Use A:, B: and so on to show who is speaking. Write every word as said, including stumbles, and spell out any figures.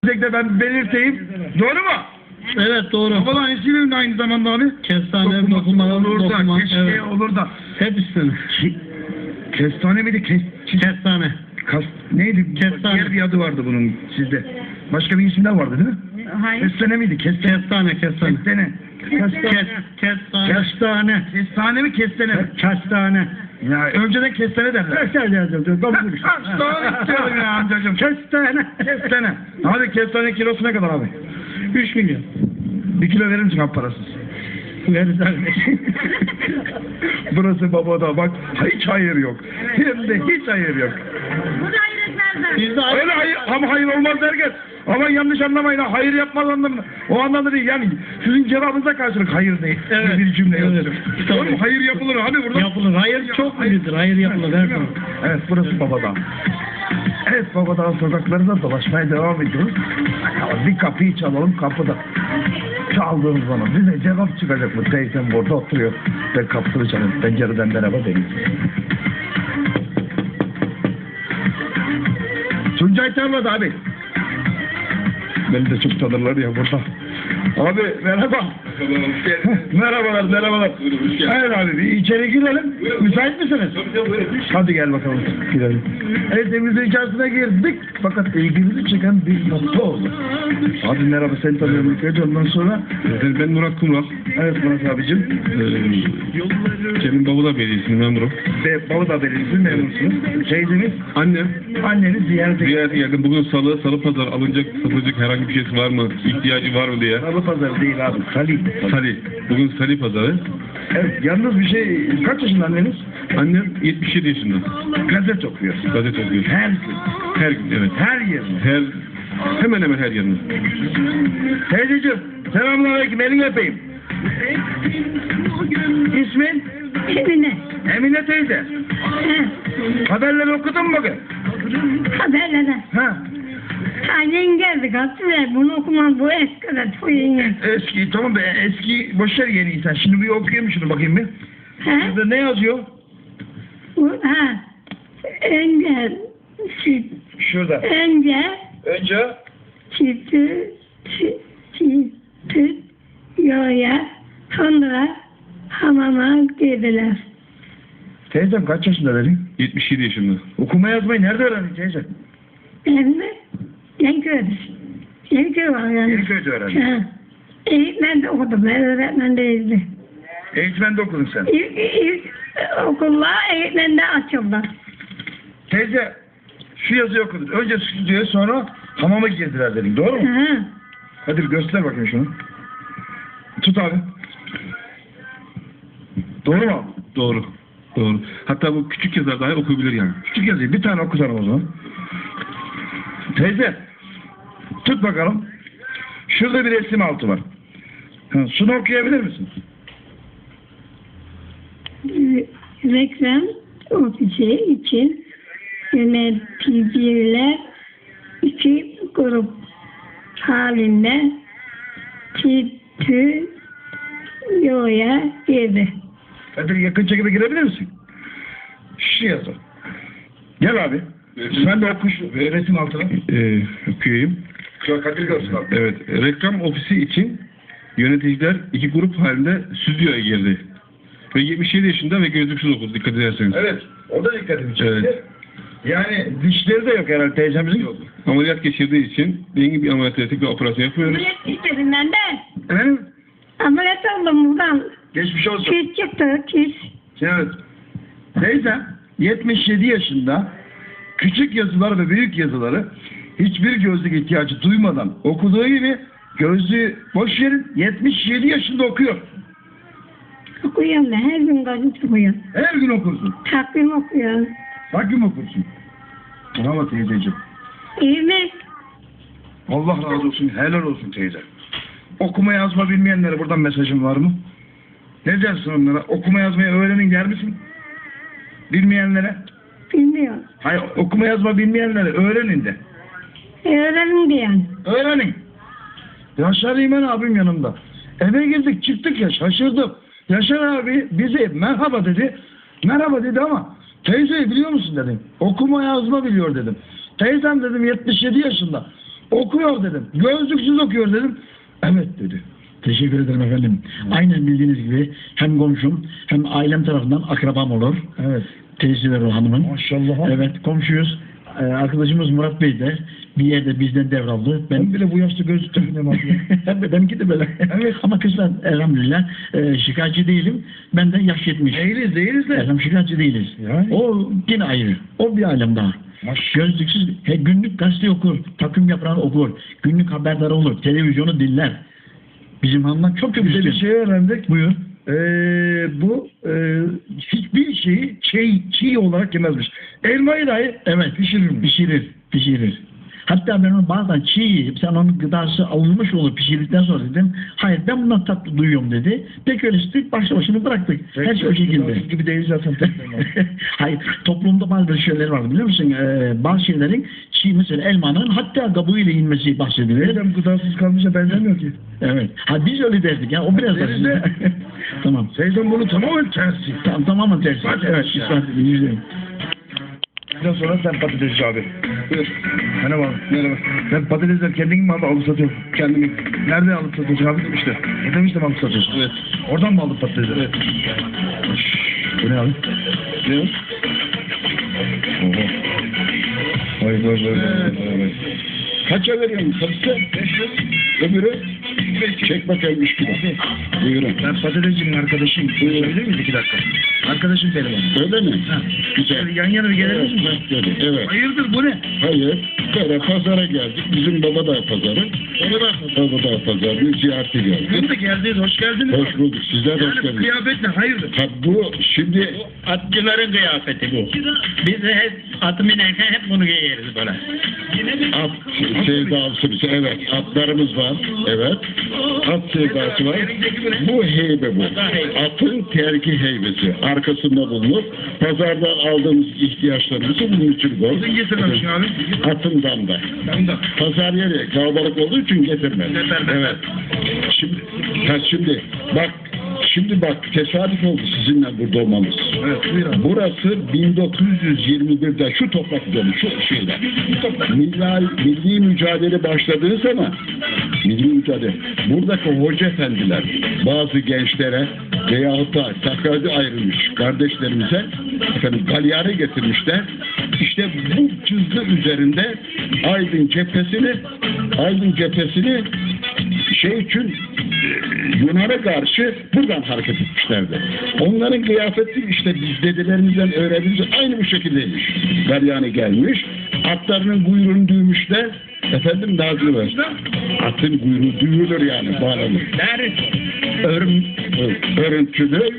A: de ben belirteyim. Doğru mu?
B: Evet doğru.
A: Babadan ismi aynı zamanda abi.
B: Kestane,
A: dokuma,
B: dokuma,
A: olur da,
B: dokuma,
A: keşke
B: evet.
A: olur da.
B: Hep üstüne.
A: Ki, kestane miydi? Kes,
B: Kestane.
A: kas, neydi?
B: Kestane.
A: Diğer bir adı vardı bunun sizde. Başka bir isimler vardı değil mi?
C: Hayır.
A: Kestane miydi? Kestane.
B: Kestane, kestane.
A: Kestane.
B: Kes, kestane.
A: Kestane. Kestane mi kestane mi?
B: Kestane.
A: Ya önceden kestane derler.
B: Kestane yazıldı.
A: Kestane istiyorum ya amcacığım.
B: Kestane.
A: Kestane. Hadi kestane kilosu ne kadar abi?
B: Üç milyon.
A: Bir kilo verir misin abi parasız?
B: Veririz abi.
A: Burası babada bak hiç hayır yok. Hem de hiç hayır yok.
C: Bu da hayır etmezler.
B: Biz de
A: Öyle hayır ama hayır olmaz derken. Ama yanlış anlamayın ha, hayır yapmaz anlamında. O anlamda değil yani sizin cevabınıza karşılık hayır değil.
B: Evet.
A: Bir cümle
B: Evet.
A: yazıyorum.
B: Tabii.
A: Oğlum hayır yapılır hadi burada.
B: yapılır. Hayır çok müdür. Hayır yapılır. Her zaman.
A: Evet burası Babadağ. Evet Babadağ sokaklarında dolaşmaya devam ediyoruz. Bakalım bir kapıyı çalalım kapıda. Çaldığımız zaman bize cevap çıkacak mı? Teyzem burada oturuyor. Ben kapısını çalıyorum. Pencereden merhaba diyeyim. Tuncay Tarla'da abi. Beni de çok tanırlar ya burada. Abi merhaba. Merhabalar, merhabalar. Hayır abi bir içeri girelim. Müsait misiniz? Hadi gel bakalım girelim. Evet evimizin içerisine girdik. Fakat ilgimizi çeken bir nokta oldu. Abi merhaba seni tanıyorum ilk önce ondan sonra.
D: Ben Murat Kumral.
A: Evet Murat abicim.
D: Ee, Senin Babadağ Belediyesi'nin memurum.
A: Ve Babadağ Belediyesi memursunuz. Teyzemiz,
D: Annem
A: anneniz ziyarete
D: ziyarete geldim. Bugün salı, salı pazar alınacak, satılacak herhangi bir şeysi var mı? İhtiyacı var mı diye.
A: Salı pazarı değil abi. Salih.
D: Sali. Bugün Sali pazarı.
A: Evet yalnız bir şey. Kaç yaşında anneniz?
D: Annem yetmiş yedi yaşında.
A: Gazete okuyor.
D: Gazete okuyor.
A: Her gün.
D: Her gün evet.
A: Her yerine.
D: Her hemen hemen her yerinde.
A: Teyzeciğim, selamünaleyküm, elini öpeyim. İsmin?
C: Emine.
A: Emine teyze.
C: Ha.
A: Haberleri okudun mu bugün?
C: Haberlere.
A: Ha.
C: Annen geldi gazeteye. Bunu okumam bu eskiden. Çok yeni.
A: Eski, tamam be, eski, boşver yeni insan. Şimdi bir okuyayım şunu bakayım bir.
C: Ha?
A: Burada ne yazıyor?
C: Bu, ha. Önce süt.
A: Şurada.
C: Önce
A: Önce
C: sütü sütü yoya sonra hamama girdiler.
A: teyzem kaç yaşında benim?
D: yetmiş yedi yaşında.
A: Okuma yazmayı nerede öğrendin teyze?
C: Ben mi? Yenköy'de. Yenköy var yani.
A: Yeniköy'de öğrendin.
C: Ha. Eğitmen de okudum. Ben öğretmen değildim.
A: Eğitmende okudun sen.
C: İlk, ilk okullar eğitmende açıldı.
A: Teyze, şu yazıyı okudun. Önce stüdyoya sonra hamama girdiler dedin. Doğru mu?
C: Ha.
A: Hadi bir göster bakayım şunu. Tut abi. Doğru mu abi?
D: Doğru. Doğru. Hatta bu küçük yazar dahi okuyabilir yani.
A: Küçük yazıyı bir tane okusana o zaman. Teyze, tut bakalım. Şurada bir resim altı var. Ha, şunu okuyabilir misin?
C: Reklam ofisi için yöneticiler iki grup halinde stüdyoya girdi.
A: Hadi yakın çekime girebilir misin? Şu yazı. Gel abi. Sen de oku şu resim altına.
D: Ee, okuyayım.
A: Şu Kadir görsün abi.
D: Evet. Reklam ofisi için yöneticiler iki grup halinde stüdyoya girdi. Ve yetmiş yedi yaşında ve gözlüksüz okudu dikkat ederseniz.
A: Evet. O da dikkatimi çekti.
D: Evet.
A: Yani dişleri de yok herhalde teyzemizin.
D: Yok. Ameliyat geçirdiği için dengin bir ameliyat ettik ve operasyon yapıyoruz.
C: Ameliyat istedim ben de.
A: Efendim?
C: Ameliyat oldum buradan.
A: Geçmiş olsun.
C: Kis çıktı, kis.
A: Evet. Teyze yetmiş yedi yaşında küçük yazılar ve büyük yazıları hiçbir gözlük ihtiyacı duymadan okuduğu gibi gözlüğü boş verin yetmiş yedi yaşında okuyor.
C: Okuyorum ben, her gün gazete okuyorum.
A: Her gün okursun.
C: Takvim okuyorum.
A: Takvim okursun. Bravo teyzeciğim.
C: İyi mi?
A: Allah razı olsun. Helal olsun teyze. Okuma yazma bilmeyenlere buradan mesajım var mı? Ne dersin onlara? Okuma yazmayı öğrenin der misin? Bilmeyenlere?
C: Bilmiyorum.
A: Hayır okuma yazma bilmeyenlere öğrenin de.
C: Öğrenim diyen.
A: Öğrenin. Yaşar İmen abim yanımda. Eve girdik çıktık ya şaşırdım. Yaşar abi bize merhaba dedi. Merhaba dedi ama teyzeyi biliyor musun dedim. Okuma yazma biliyor dedim. Teyzem dedim yetmiş yedi yaşında. Okuyor dedim. Gözlüksüz okuyor dedim. Evet dedi.
E: Teşekkür ederim efendim. Aynen bildiğiniz gibi hem komşum hem ailem tarafından akrabam olur.
A: Evet.
E: Teyzeler o hanımın.
A: Maşallah.
E: Evet komşuyuz. Ee, arkadaşımız Murat Bey de bir yerde bizden devraldı.
A: Ben
E: Ben
A: bile bu yaşta gözlük takmıyorum abi.
E: Hem de benimki de böyle.
A: Evet.
E: Ama kızlar elhamdülillah e, şikayetçi değilim. Ben de yaş yetmiş.
A: Değiliz değiliz de.
E: Elham şikayetçi değiliz.
A: Yani.
E: O yine ayrı. O bir alem daha.
A: Maş-
E: Gözlüksüz he, günlük gazete okur, takım yaprağını okur, günlük haberdar olur, televizyonu dinler. Bizim hanımlar çok çok
A: Bir de bir
E: üstün.
A: şey öğrendik.
E: Buyur.
A: Ee, bu e, hiçbir şeyi çiğ, çiğ olarak yemezmiş. Elmayı dahi
E: Evet.
A: pişirirmiş.
E: Pişirir, pişirir. Hatta ben onu bazen çiğ yiyip sen onun gıdası alınmış olur pişirdikten sonra dedim. Hayır ben bundan tatlı duyuyorum dedi. Peki öyle istedik başlı başına bıraktık. Her şey o şekilde.
A: gibi değil zaten.
E: Hayır toplumda bazı şeyler var biliyor musun? Ee, bazı şeylerin çiğ mesela elmanın hatta kabuğuyla yenmesi bahsedilir.
A: Neden gıdasız kalmışa benzemiyor ki?
E: Evet. Ha biz öyle derdik ya. O biraz da.
A: Deriz de.
E: Tamam.
A: Seydan bunu tamamen tersi.
E: Tamam tamamen tersi. Evet. ispat edin, yüzde yüz.
A: Bundan sonra sen patatesci abi.
D: Buyur.
A: Merhaba.
D: Merhaba.
A: Sen patatesler kendin mi abi alıp satıyorsun?
D: Kendim.
A: Nerede alıp satıyorsun abi?
D: İşte.
A: Ne demiştim alıp satıyorsun?
D: Evet.
A: Oradan mı alıp patatesleri?
D: Evet.
A: Bu ne abi?
D: Ne o?
A: Oho. Vay vay vay vay vay vay.
D: Kaça veriyorsun satışta? beş yüz. Öbürü? Çek bakayım üç kilo. Buyurun.
A: Ben patatescinin arkadaşıyım. Söyleyebilir miyiz iki dakika? Arkadaşım benim abi.
D: Öyle mi?
A: Ha.
D: Güzel.
A: Şöyle yan yana bir gelir misin?
D: Evet. Evet.
A: Hayırdır bu ne?
D: Hayır. Böyle pazara geldik. Bizim baba da pazarı. Baba da Baba da pazarının ziyareti geldi.
A: Bugün de geldiniz, hoş geldiniz.
D: Hoş bulduk. Sizler de hoş
A: Yani bu
D: geldiniz.
A: kıyafet ne? Hayırdır?
D: Ha, bu şimdi
B: Atçıların kıyafeti bu. Biz de hep atı binerken hep bunu giyeriz böyle.
D: at sevdası, evet, atlarımız var, evet, at sevdası var. Bu heybe bu. Atın terki heybesi. Arkasında bulunur. Pazardan aldığımız ihtiyaçlarımızı bunun için koy.
A: Sizin getirmemişsin abi.
D: Atından da. Pazar yeri kalabalık olduğu için getirmez. Evet. Şimdi, ha şimdi bak, şimdi bak tesadüf oldu sizinle burada olmamız.
A: Evet, buyur abi.
D: Burası bin dokuz yüz yirmi birde şu toprak üzerinde, şu şeyler. Milli, milli mücadele başladığı zaman, milli mücadele, buradaki hoca efendiler bazı gençlere veyahut da takrarda ayrılmış kardeşlerimize efendim galyarı getirmişler. İşte bu çizgi üzerinde Aydın cephesini Aydın cephesini şey için Yunan'a karşı buradan hareket etmişlerdi. Onların kıyafeti işte biz dedelerimizden öğrendiğimiz aynı bu şekildeymiş. Galyani gelmiş, atlarının kuyruğunu düğmüşler. Efendim Nazlı var. Atın kuyruğu düğülür yani bağlanır. Örüm, örüntülü